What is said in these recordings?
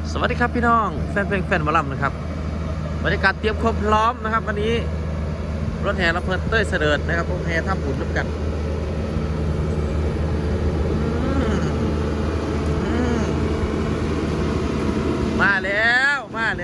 สวัสดีครับพี่น้องแฟนเพลงแฟนหมอลำนะครับบรรยากาศเตรียมความพร้อมนะครับวันนี้รถแห่ลำเพลินเต้ยเสด็จนะครับรถแห่ท่าบุญร่วมกันมาแล้ว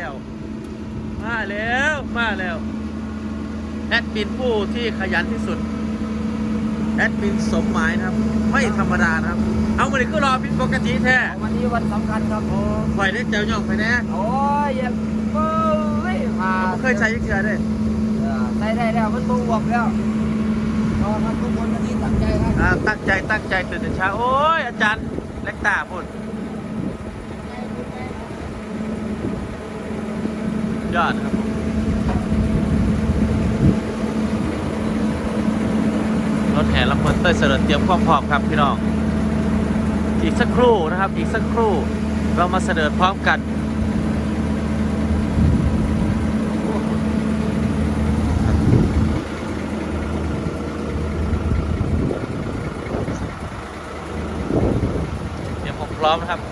แอดมินผู้ที่ขยันที่สุดแอดมินสมหมายนะครับไม่ธรรมดานะครับเอามาดิคือรอพินปกติแท้วันนี้วันสำคัญครับผมปล่อยได้เจ้าย่องไปแน่โอ้ยอย่าเฮ้ยมาผมเคยใช้ยังเกลือด้วยใส่ได้แล้วมันบวกแล้วรอทำทุกคนวันนี้ตั้งใจครับตั้งใจตื่นแต่เช้าโอ้ยอาจารย์เล็กตาพูดยอดครับรถแห่ลำเพลินเต้ยเสด็จเตรียมความพร้อมครับพี่น้องอีกสักครู่นะครับอีกสักครู่เรามาเสด็จพร้อมกันเตรียมความพร้อมนะครับ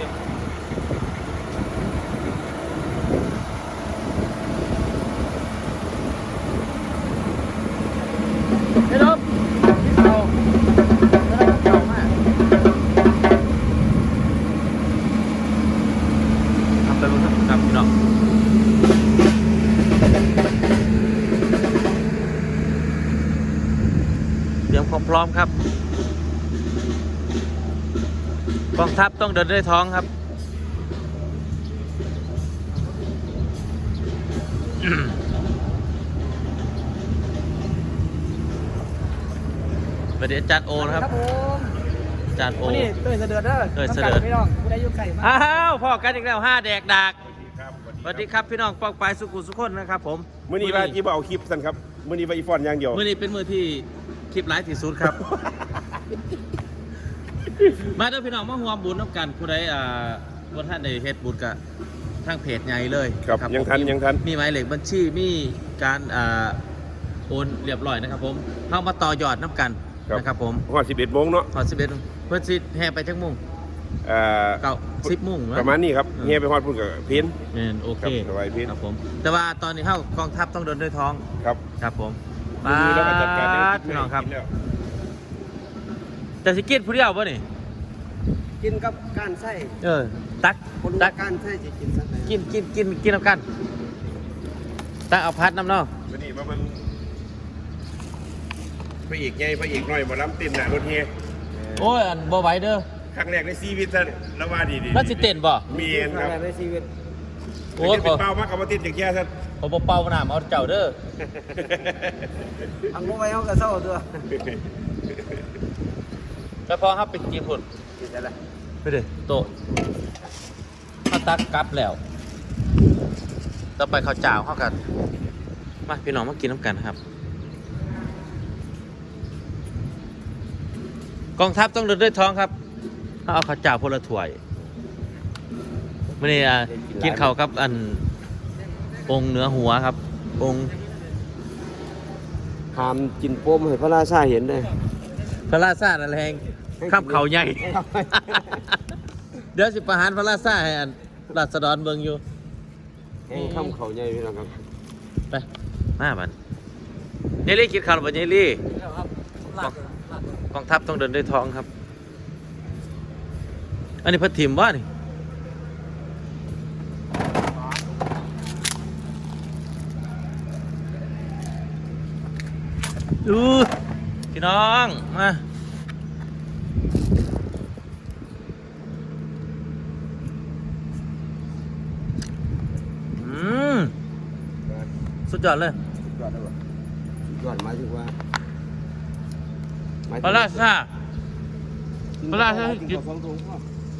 เฮ้ยน้องพี่เต่าเต่ามากทำไปบนครับพี่น้องเตรียมความพร้อมครับกองทัพต้องเดินด้วยท้องครับประเดี๋ยวอาจารย์โอนะครับอาจารย์โอนี่เต้ยเสด็จเด้อเต้ยเสด็จพี่น้องผู้ใดยุ่งไก่มาอ้าวพ่อกันอีกแล้ว5 แดกดากสวัสดีครับพี่น้องปองปลายสุขุสุขคนนะครับผมมื่อนี้ว่าที่เอาคลิปสั้นครับมื่อนี้ว่าอีฟอนอย่างเดียวมื้อนี้เป็นมื้อที่คลิปไลฟ์ที่สุดครับ มาเด้อพี่น้องมาร่วมบุญน้ำกันผู้ใดบ่ท่านได้เฮ็ดบุญกับทางเพจใหญ่เลยครับยังทันมีหมายเลขบัญชีมีการโอนเรียบร้อยนะครับผมเข้ามาต่อยอดน้ำกันนะครับผมฮอด11 โมงเนาะฮอด11เพิ่นสิแห่ไปจักโมง10 โมงประมาณนี้ครับแห่ไปฮอดพุ่นกับเพนโอเคสบายเพนครับผมแต่ว่าตอนนี้เข้ากองทัพต้องเดินด้วยท้องครับผมมาแล้วก็จัดการพี่น้องครับแต่สิกินผู้เดียวป่ะนี่กินกับการไส้ตักการไส้จะกินสักไหนกินน้ำกันตักเอาพัดน้ำเนาะวันนี้มันพระเอกใหญ่พระเอกน้อยมาล้ำเต้นหน้ารถเฮโอ้ยอันบ่ไหวเด้อครั้งแรกในชีวิตท่านแล้วว่าดีแล้วสิเต้นบ่มีครับในชีวิตโอ้ยเป็นเป้ามากกับว่าเต้นอย่างแค่ท่านผมบ่เป่าหน้าเอาเจ้าเด้ออังโง่ไว้เขากระเซ้าตัวแล้วพอครับไปกินผลไปดิโตข้าวตักกลับแล้วต่อไปข้าวจ่าวเข้ากันมาพี่น้องมากินน้ำกันครับกองทัพต้องเดินด้วยท้องครับเอาข้าวจ่าวพลถ้วยไม่ได้กินข้าวครับอันองค์เหนือหัวครับองค์หามกินโป้มให้พระราชาเห็นเลยพระราชาอะไรแหงข้ามเขาใหญ่เดี๋ยวสิประหารพระราชาให้อันราษฎรเบิ่งอยู่ข้ามเขาใหญ่พี่น้องครับไปมาบันเยลี่กินข้าวหรือเปล่าเยลี่กองทัพต้องเดินด้วยท้องครับอันนี้พัดถิ่มว่านี่ดูพี่น้องมาสุดยอดเลยสุดยอดเลยสุดยอดหมายถึงว่าปลาซ่ากินกับฟองถุงพ่อ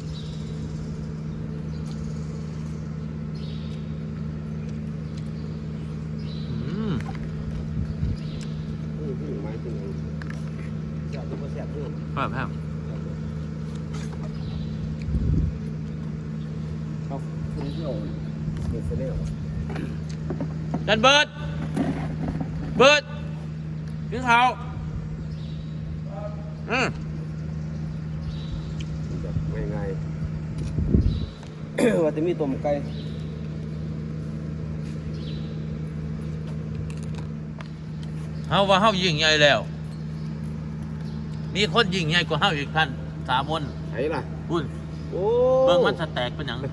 หมายถึงแซ่บตัวแซ่บด้วยครับครับคุณเที่ยวเดือดเสียดันเบิร์ดกินข้าวง่ายว่าจะมีต้มไก่เฮาว่าเฮายิ่งใหญ่แล้ว มีคนยิ่งใหญ่กว่าเฮาอีกท่านสามนไหนล่ะพุ่นโอ้เมืองมันสแตกเป็นหยัง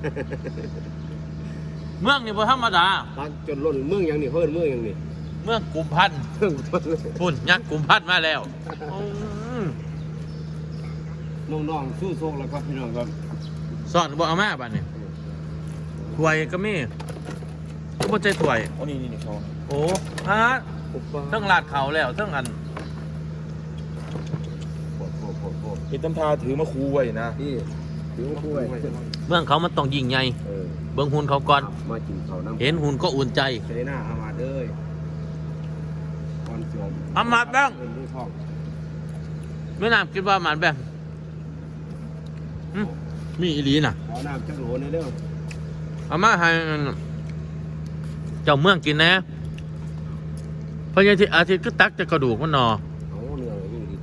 เมืองนี่บ่ธรรมดาตักจนล้นเมืองอย่างนี้เพิ่นเมืองอย่างนี้เมืองกุมพันธ์เพิ่งต้นเลยพุ่นยักษ์กุมพันธ์มาแล้วอืมน้องๆสู้โชคแล้วครับพี่น้องครับสอนบ่เอามาบัดนี้ถ้วยก็มีก็บ่ใช่ถ้วยอ๋อนี่เขาโอ้ฮะเทั้งลาดเขาแล้วเทั้งอันโคตรเห็นตำทาถือมาคูไว้นะนี่ถือว่าป่วยเมืองเขามันต้องยิ่งใหญ่เบิ่งหุ่นเขาก่อนมากินข้าวน้ำเห็นหุ่นก็อุ่นใจเสนาอามาเด้ยก่อนสวมอามาบ้างเงินด้วยทองไม่น่าคิดว่าหมันแบบมีอีหลีน่ะขอน้ำจักโหลในเด้อเอามาให้เจ้าเมืองกินนะเพราะยังที่อาทิตย์ก็ตักจะกระดูกมันหนอเอาเนื้อนี่ดี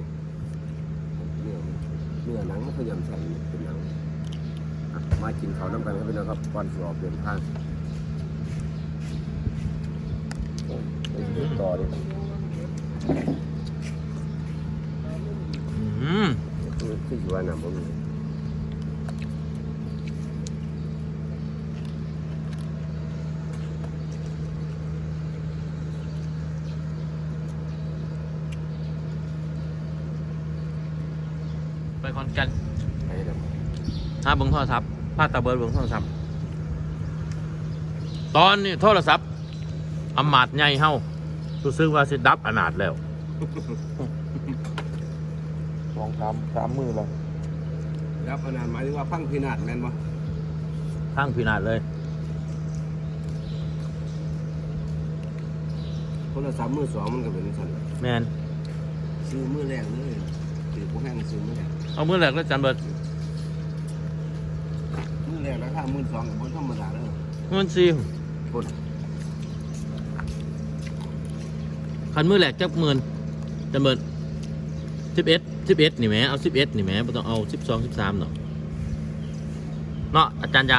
เนื้อหนังมันขยำใส่เป็นหนังอ่ะมากินข้าวน้ำกันครับพี่น้องครับก่อนสวมเดินทางโอ้ยต่อดิ คืออยู่ว่าน้ำบ่มีไปคอนแกันไปเด้อหาเบิ่งโทรศัพท์พาตาเบิร์ดเบิ่งโทรศัพท์ตอนนี้โทรศัพท์อำมาตย์ใหญ่เฮารู้สึกว่าสิดับอนาถแล้ว 2-3 มือแล้วรับขนาดหมายถึงว่าพังพินาศแม่นบ่ทั้งพินาศเลยคนละ3 มือ 2มันก็เป็นสั่นแมนซื้อมือแรกเลยถือบ่แห้งซื้อมือแรกเอามือแรกแล้วจันเบิร์ดมือแรกราคา12,000ก็บ่ธรรมดาเด้อมันซีคนคันมือแรกจักหมื่นจันเบิร์ด11นี่แหมเอา11นี่แหมบ่ต้องเอา12 13เนาะเนาะอาจารย์จะ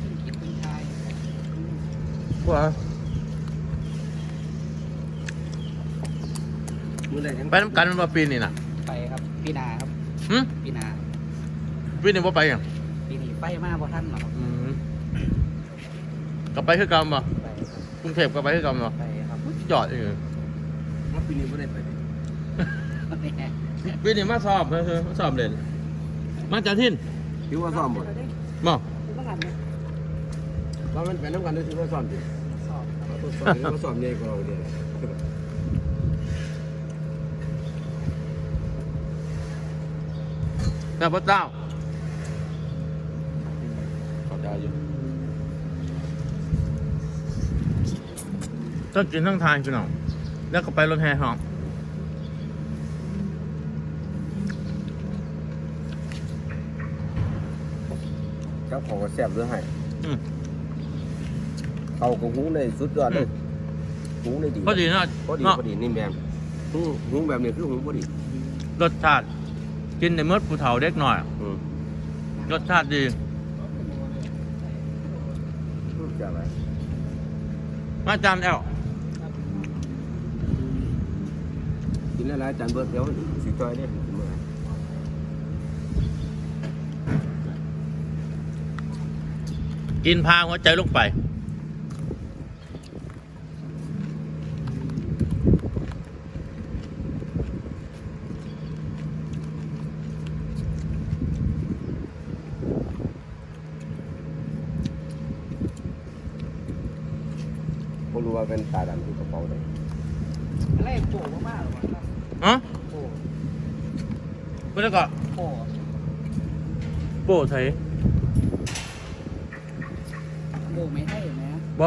ว่ามือแรกยังไปน้ำกันมันว่าปีนี่น่ะไปครับปีนาครับหึปีนาปีนี่บ่ไปหยังปีนี้ไปมาบ่ท่านหรอกครับกลับไปคือเก่าบ่ไปครับกรุงเทพกลับไปคือเก่าบ่ไปครับจอดอยู่ว่าปีนี้บ่ได้ไปดิแน่ปีนี้มาสอบมาสอบเล่นมาจากทินถือว่าซ่อมบ่บ่ว่ามันเป็นน้ำกันด้วยถือว่าซ่อมดิสอบครับตัวซ่อมนี่ว่าซ่อมใหญ่กว่าเราเด้อแต่พระเจ้าเขาได้อยู่ต้องกินทั้งทานพี่น้องแล้วก็ไปรถแห่หอมครับของก็แซ่บเด้อให้อืมเอาก็หุงได้สุดยอดเลยหุงได้ดีพอดีเนาะพอดีเนาะพอดีนิ่มแบบหุงแบบนี้คือหุงพอดีรสชาติกินในเมื่อผู้เฒ่าเด็กหน่อย รสชาติดีจะอะไรมาจานแอลกินแล้วจานเบิร์ดเดี๋ยวสิจอยเนี่ยกินมื้อไหร่กินพาหัวใจลงไปผมรู้ว่าเป็นตาดำที่กระเป๋าเลยอะไรโผล่มากๆหรอครับฮะโผล่เพื่อนก็โผล่โป้ไทยโผล่ไม่ให้ไหมบ่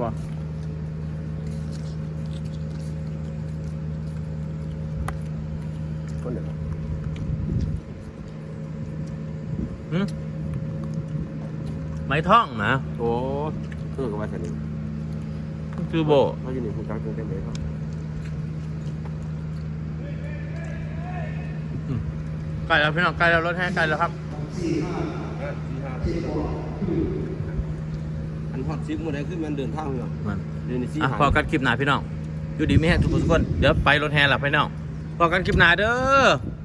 คนเดียวหึไม้ท่องนะโอ้คือกับว่าสนิทคือโบเขาอยู่ในภูกลางกรุงเทพเลยครับใกล้แล้วพี่น้องใกล้แล้วรถแห่ใกล้แล้วครับอดซิปหมดเลยขึ้นมันเดินทางเลยมันเดินในซี่อ่ะหาพอกันคลิปหน้าพี่น้องอยู่ดีไม่แห้งทุกคนเดี๋ยวไปรถแห่หลับพี่น้องพอกันคลิปหน้าเด้อ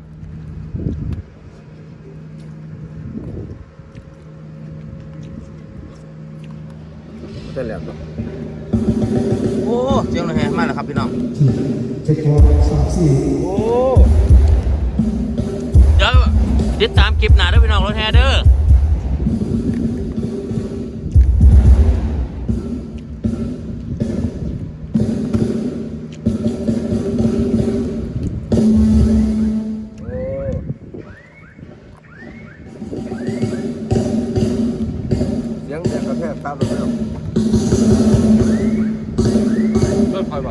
เต้นแหลมเนาะโอ้เสียงรถแห่มาแล้วครับพี่น้องเจ็ดโมงสามสี่โอ้เดี๋ยวติดตามคลิปหน้าเด้อพี่น้องรถแห่เด้อเสียงแดกกระแทกตามเลยเนาะเลิกคอยบ่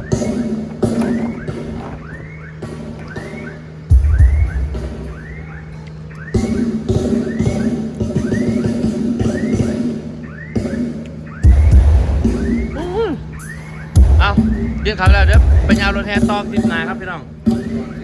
เอาเรียกเขาแล้วเดี๋ยวไปยาวรถแห่ต่อคลิปหน้าครับพี่น้องโอเค